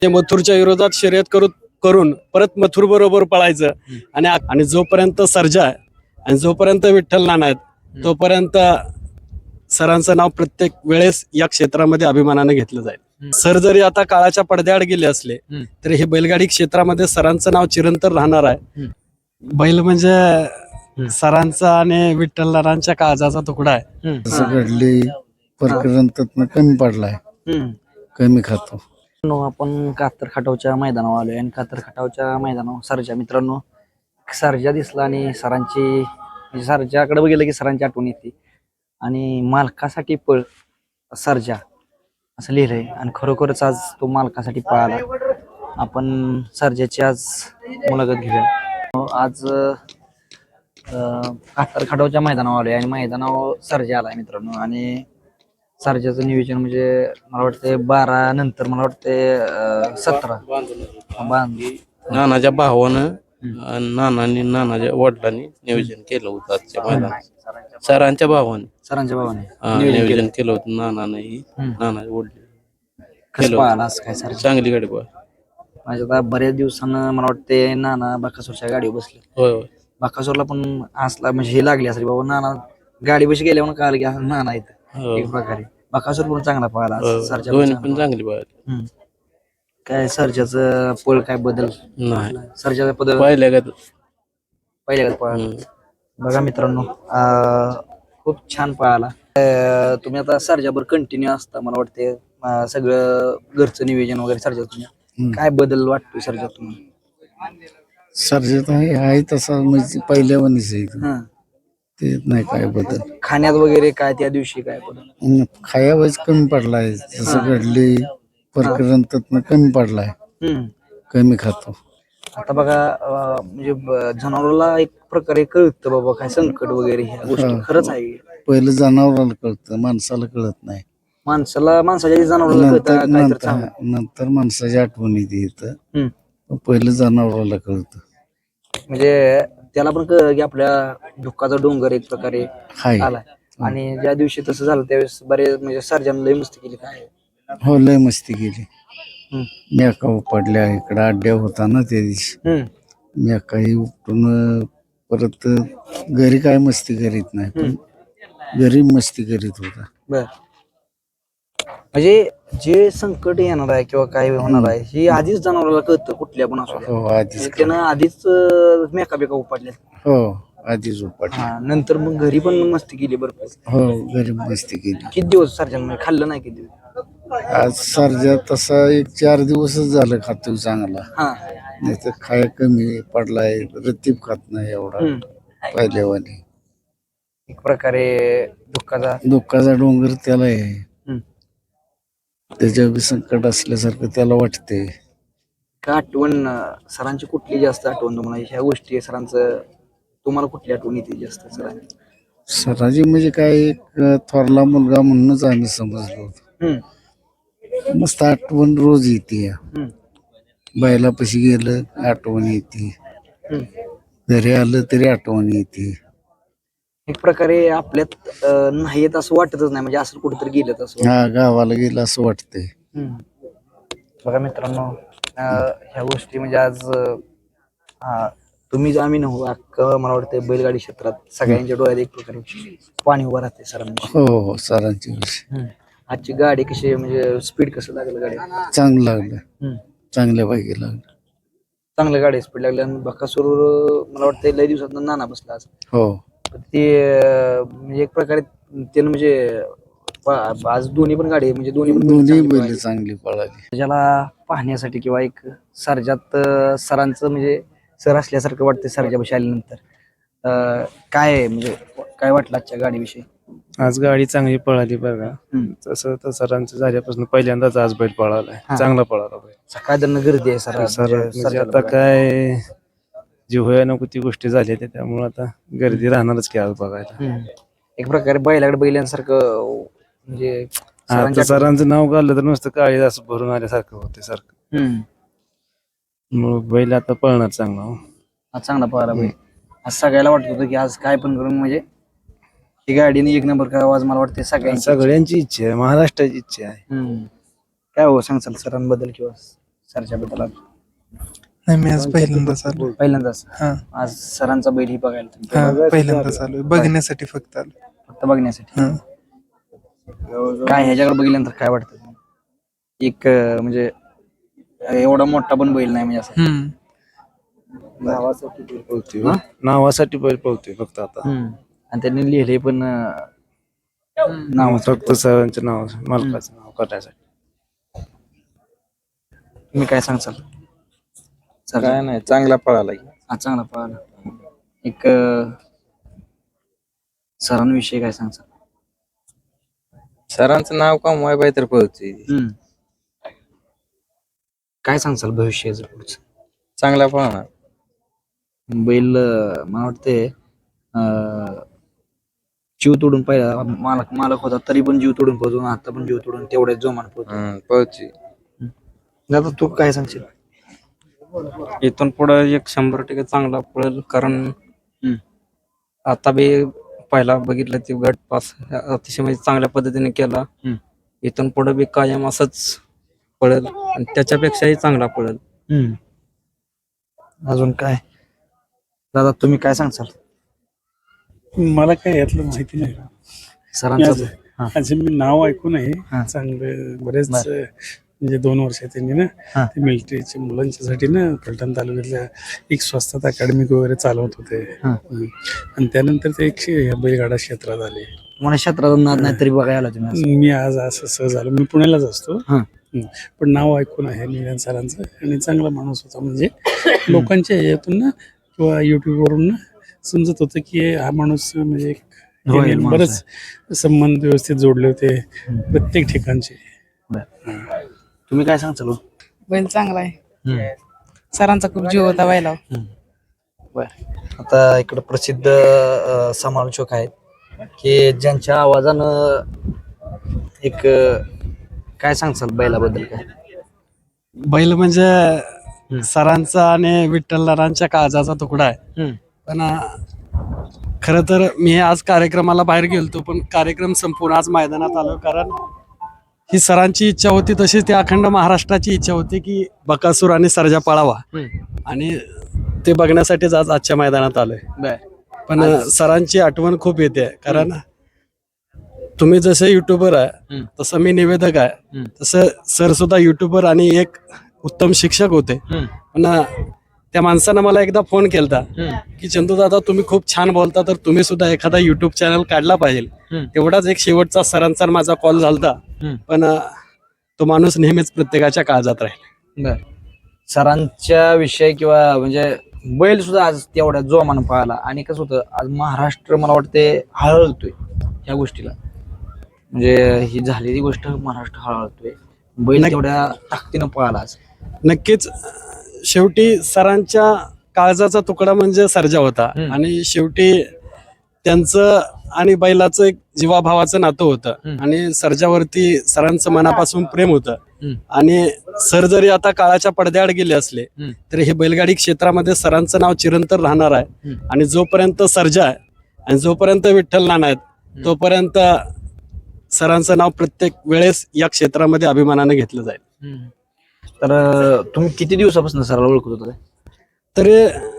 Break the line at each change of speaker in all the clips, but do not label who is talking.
ते मथुरच्या विरोधात शर्यत करून परत मथुर बरोबर पळायचं आणि जोपर्यंत सर्जा आहे आणि जोपर्यंत विठ्ठल नाना आहेत तोपर्यंत सरांचं नाव प्रत्येक वेळेस या क्षेत्रामध्ये अभिमानाने घेतलं जाईल. सर जरी आता काळाच्या पडद्याआड गेले असले तरी हे बैलगाडी क्षेत्रामध्ये सरांचं नाव चिरंतन राहणार आहे. बैल म्हणजे सरांचा आणि विठ्ठल नानांच्या काळजाचा तुकडा आहे.
असं घडली प्रकरण त्यातनं कमी पडलाय, कमी खातो.
आपण कातर खटावच्या मैदानावर आलोय आणि कातर खटावच्या मैदानावर सरजा मित्रांनो सरजा दिसला आणि सरांची म्हणजे सरजाकडे बघितलं की सरांची आठवण येते आणि मालकासाठी पळ सरजा असं लिहिलंय आणि खरोखरच आज तो मालकासाठी पळाला. आपण सरजाची आज मुलाखत घेऊया. आज कातर खटावच्या मैदानावर आलोय आणि मैदानावर सरजा आलाय मित्रांनो आणि सरजाचं नियोजन म्हणजे मला वाटतं 12 नंतर मला वाटतं 17 बांधली
नानाच्या भावानं नानाच्या वडिलांनी नियोजन केलं होतं आजच्या मैदानात. सरांच्या भावाने नियोजन केलं होतं. नानाच्या वडिलांनी
कसं पाहिला आज काय सर
चांगली गाडी बघ.
माझ्या आता बऱ्याच दिवसानं मला वाटते नाना बाकासूरच्या गाडीवर बसले.
होय होय.
बाकासूरला पण असला म्हणजे हे लागली असेल बाबा नाना गाडी बशी गेल्यावर कळालं की असं नाना येतं एक प्रकारे. बाकासूर पण चांगला पळाला सरजा
दोन्ही पण चांगली बघ.
काय सरजाचं पळ काय बदल
नाही
सरजाचा बदल
पाहिल्या का
पहिल्या पळाला. बघा मित्रांनो खूप छान पळाला. तुम्ही आता सरजाबर कंटिन्यू असता मला वाटते सगळं घरचं नियोजन वगैरे सरजा तुम्ही काय बदल वाटतो सरजा तुम्ही?
सर्जत आहे तसा म्हणजे पहिल्या वनीच आहे ते, नाही काय बदल.
खाण्यात वगैरे काय त्या दिवशी काय बदल?
खायावरच कमी पडलाय. जसं घडली प्रकरण त्यातनं कमी पडलाय, कमी खातो.
आता बघा म्हणजे जनावराला एक प्रकारे कळतं बाबा काय संकट वगैरे ह्या गोष्टी खरंच आहे.
पहिलं जनावराला कळतं, माणसाला कळत नाही.
माणसाच्या जनावराला कळतं काय तर चांगलं.
नंतर माणसाची आठवण येते इथं, पहिलं जनावराला कळतं.
म्हणजे त्याला पण कळ की आपल्या दुःखाचा डोंगर एक प्रकारे आलाय. आणि ज्या दिवशी तसं झालं त्यावेळेस बरेच म्हणजे सर्जन लय मस्ती केली काय.
हो लय मस्ती केली. मेका उपडल्या इकडं अड्ड्या होता ना त्या दिवशी. मेकाही उपटून परत घरी काय मस्ती करीत नाही, पण घरी मस्ती करीत होता.
बर म्हणजे जे संकट येणार आहे किंवा काय होणार आहे हे आधीच जनावराला कळतं कुठल्या पण असू द्या.
हो आधीच
त्यानं आधीच मेका बेका उपडल्या.
हो आधीच उपटल्या.
नंतर मग घरी पण मस्ती केली भरपूर.
हो घरी मस्ती केली.
किती दिवस सर्जन खाल्लं नाही किती दिवस?
आज सर्जा तसा 1-4 दिवसच झालं खातोय चांगला. नाही तर खाय कमी पडलाय, रतीब खात नाही एवढा पहिल्यावानी.
एक प्रकारे
दुःखाचा डोंगर त्याला आहे. त्याच्या संकट असल्यासारखं त्याला वाटते.
का आठवण सरांची कुठली जास्त आठवण तुम्हाला ह्या गोष्टी सरांचं तुम्हाला कुठली आठवण येते जास्त सरांची?
सराजी म्हणजे काय एक थोरला मुलगा म्हणूनच आम्ही समजलो होतो. मस्त आठवण रोज येते. बैलापाशी गेलं आठवण येते, घरी आलं तरी आठवण येते.
एक प्रकारे आपल्यात नाही येत असं वाटतच नाही म्हणजे असं कुठेतरी गेलं तसं.
हा गावाला गेलं असं वाटतंय.
बघा मित्रांनो ह्या गोष्टी म्हणजे आज तुम्ही आम्ही नव्हू अख्खं मला वाटतं बैलगाडी क्षेत्रात सगळ्यांच्या डोळ्यात एक प्रकारे पाणी उभं राहते सरांनी.
हो सरांची विषय.
आजची गाडी कशी म्हणजे स्पीड कसं लागलं गाडी?
चांगलं लागलं, चांगल्या पैकी लागलं.
चांगलं गाडी स्पीड लागली आणि बकासूर मला वाटतं लय दिवसात नाना बसला आज.
हो
ते म्हणजे एक प्रकारे त्यानं म्हणजे आज दोन्ही पण गाडी म्हणजे
दोन्ही बैल चांगली पळाली.
ज्याला पाहण्यासाठी किंवा एक सर्जात सरांचं म्हणजे सर असल्यासारखं वाटतं सर्जापाशी आल्यानंतर काय म्हणजे काय वाटलं आजच्या गाडीविषयी?
आज गाडी चांगली पळाली बघा. तसं तर सरांचं झाल्यापासून पहिल्यांदाच आज बैल पळालाय, चांगला पळाला बैल.
सकाळ गर्दी आहे सर.
म्हणजे आता काय जी होया नको ती गोष्टी झाल्या त्यामुळे आता गर्दी राहणारच की आज बघायला.
एक प्रकारे बैलाकडे बैलांसारखं म्हणजे
आता सरांचं नाव घाललं तर नुसतं काळी असं भरून आल्यासारखं होते सारखं. मग बैल आता पळणार चांगला.
आज चांगला पळाला बैल. आज सगळ्याला वाटत होतं की आज काय पण करून म्हणजे ही गाडीने 1 नंबर करावा आज मला वाटते
सगळ्यांची इच्छा आहे, महाराष्ट्राची इच्छा आहे.
काय हो सांगचाल सरांबद्दल किंवा सरच्याबद्दल
नाही मी आज पहिल्यांदाच आलो.
पहिल्यांदाच
हा
आज सरांचा बैल ही बघायला तुम्ही
हा पहिल्यांदाच आलो बघण्यासाठी फक्त आलो.
फक्त बघण्यासाठी.
हा
काय ह्याच्याकडे बघितल्यानंतर काय वाटतं एक म्हणजे एवढा मोठा पण बैल नाही म्हणजे असं.
हम्म
हा?
नावासाठी बैल पळतोय फक्त आता.
आणि त्यांनी लिहिले पण नाव
फक्त सरांच्या नाव मालकाचं नाव करण्यासाठी.
तुम्ही काय सांगसाल सर?
काय नाही चांगला पळाला की.
हा चांगला पळाला. एक सरांविषयी काय सांगसाल?
सरांचं नाव कमवाय पाहिजे तर पळतोय.
काय सांगसाल भविष्याचं पुढचं?
चांगला पळणार.
बैल मला वाटते जीव तोडून पहिला मालक होता तरी पण जीव तोडून पोहोचून आता पण जीव तोडून तेवढ्याच जोमान पोहोचतो.
पळतोय.
दादा तू काय सांगशील?
इथून पुढे एक 100% चांगला पळेल कारण आता बी पहिला बघितलं ते गट पास अतिशय म्हणजे चांगल्या पद्धतीने केला. इथून पुढे बी कायम असंच पळेल आणि त्याच्यापेक्षाही चांगला पळेल.
अजून काय दादा तुम्ही काय सांगसाल?
मला काय यातलं माहिती नाही.
सरांचं
असे मी नाव ऐकून आहे
हा.
चांगलं बरेच
बर.
म्हणजे 2 वर्ष त्यांनी ना
हा.
ते मिलिटरीच्या मुलांच्यासाठी ना फलटण तालुक्यातल्या एक स्वस्तात अकॅडमिक वगैरे चालवत होते.
हा.
आणि त्यानंतर ते एक बैलगाडा क्षेत्रात आले.
मला क्षेत्रात नाद नाही तरी बघायला आला तुम्ही आज.
मी आज असं सहज आलो. मी पुण्यालाच असतो.
हा.
पण नाव ऐकून आहे निवेदन सरांचं आणि चांगला माणूस होता. म्हणजे लोकांच्या ह्याच्यातून ना किंवा युट्यूबवरून ना समजत होतं की हा माणूस म्हणजे
होय,
यांनी
माणूस
बरेच संबंध व्यवस्थित जोडले होते प्रत्येक ठिकाणचे.
तुम्ही काय सांगचाल?
बैल चांगला आहे. सरांचा खूप जीव होता बैला.
बर. आता इकडे प्रसिद्ध समालोचक आहेत की ज्यांच्या आवाजानं एक काय सांगचाल बैलाबद्दल काय?
बैल म्हणजे सरांचा आणि विठ्ठलरावांच्या काळजाचा तुकडा आहे. पण खरं तर मी आज कार्यक्रमाला बाहेर गेलतो पण कार्यक्रम संपूर्ण आज मैदानात आलो कारण ही सरांची इच्छा होती तशीच ती अखंड महाराष्ट्राची इच्छा होती की बकासूर आणि सर्जा पळावा आणि ते बघण्यासाठीच आज आजच्या मैदानात आलोय. पण सरांची आठवण खूप येते कारण तुम्ही जसे युट्यूबर आहे तसं मी निवेदक आहे तसं सर सुद्धा युट्यूबर आणि एक उत्तम शिक्षक होते. पण त्या माणसानं मला एकदा फोन केलता की चंदू दादा तुम्ही खूप छान बोलता तर तुम्ही सुद्धा एखादा युट्यूब चॅनल काढला पाहिजे. तेवढाच एक शेवटचा सरांचा माझा कॉल झालता. पण तो माणूस नेहमीच प्रत्येकाच्या काळजात राहील.
सरांच्या विषय किंवा म्हणजे बैल सुद्धा आज तेवढ्या जोमानं पळाला आणि कसं होतं आज महाराष्ट्र मला वाटते हळहळतोय ह्या गोष्टीला. म्हणजे ही झालेली गोष्ट महाराष्ट्र हळहळतोय. बैल तेवढ्या ताकदीनं पळाला आज.
नक्कीच शेवटी सरांच्या काळजाचा तुकडा म्हणजे सर्जा होता आणि शेवटी त्यांचं आणि बैलाचं एक जीवाभावाचं नातं होतं आणि सर्जावरती सरांचं मनापासून प्रेम होतं. आणि सर जरी आता काळाच्या पडद्याआड गेले असले तरी हे बैलगाडी क्षेत्रामध्ये सरांचं नाव चिरंतर राहणार आहे. आणि जोपर्यंत सर्जा आहे आणि जोपर्यंत विठ्ठल नाना आहेत तोपर्यंत सरांचं नाव प्रत्येक वेळेस या क्षेत्रामध्ये अभिमानाने घेतलं जाईल.
तर तुम्ही किती दिवसापासून सराला ओळखत होता?
तरी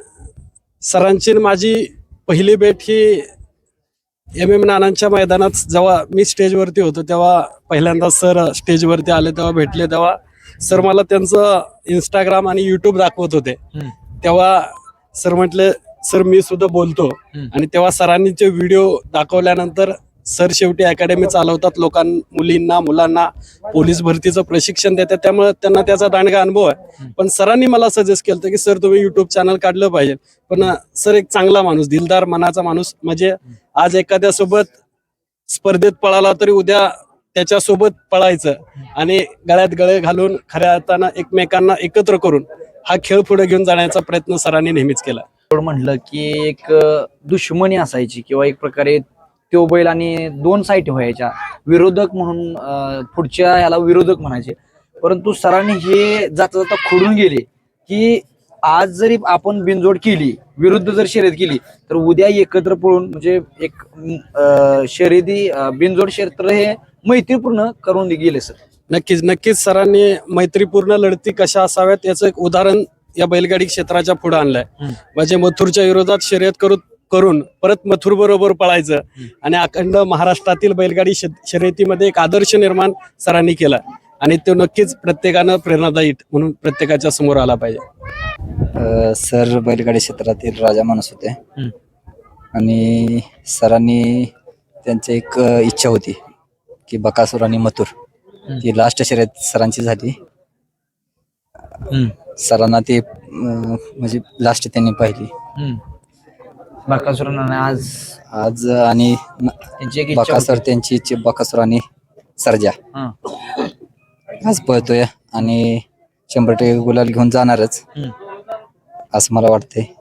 सरांची माझी पहिली भेट ही MM नानांच्या मैदानात जेव्हा मी स्टेजवरती होतो तेव्हा पहिल्यांदा सर स्टेजवरती आले तेव्हा भेटले. तेव्हा सर मला त्यांचं इंस्टाग्राम आणि युट्यूब दाखवत होते. तेव्हा सर म्हटले सर मी सुद्धा बोलतो. आणि तेव्हा सरांनी ते व्हिडिओ दाखवल्यानंतर सर शेवटी अकॅडमी चालवतात मुलींना मुलांना पोलीस भरतीचं प्रशिक्षण देतात त्यामुळे त्यांना त्याचा दांडगा अनुभव आहे. पण सरांनी मला सजेस्ट केलं की सर तुम्ही युट्यूब चॅनल काढलं पाहिजे. पण सर एक चांगला माणूस दिलदार मनाचा माणूस म्हणजे आज एखाद्या सोबत स्पर्धेत पळाला तरी उद्या त्याच्यासोबत पळायचं आणि गळ्यात गळे घालून खऱ्या अर्थानं एकमेकांना एकत्र करून हा खेळ पुढे घेऊन जाण्याचा प्रयत्न सरांनी नेहमीच केला.
म्हटलं की एक दुश्मनी असायची किंवा एक प्रकारे तो बैल आणि 2 साईट व्हायच्या विरोधक म्हणून पुढच्या ह्याला विरोधक म्हणायचे. परंतु सरांनी हे जाता जाता खोडून गेले की आज जरी आपण बिनजोड केली विरुद्ध जर शर्यत केली तर उद्या एकत्र पळून म्हणजे एक शर्यती बिनजोड क्षेत्र हे मैत्रीपूर्ण करून गेले सर.
नक्कीच नक्कीच सरांनी मैत्रीपूर्ण लढती कशा असाव्यात याचं एक उदाहरण या बैलगाडी क्षेत्राच्या पुढे आणलंय. म्हणजे मथुरच्या विरोधात शर्यत करून परत मथुर बरोबर पळायचं आणि अखंड महाराष्ट्रातील बैलगाडी शर्यतीमध्ये एक आदर्श निर्माण सरांनी केला आणि तो नक्कीच प्रत्येकानं प्रेरणादायी म्हणून प्रत्येकाच्या समोर आला पाहिजे.
सर बैलगाडी क्षेत्रातील राजा माणूस होते आणि सरांनी त्यांची एक इच्छा होती की बकासूर आणि मथुर ती लास्ट शर्यत सरांची झाली. सरांना ते म्हणजे लास्ट त्यांनी पाहिली. आज आणि बकासूर त्यांची इच्छा बकासूर आणि सर्जा आज पळतोय आणि 100% गुलाल घेऊन जाणारच असं मला वाटतंय.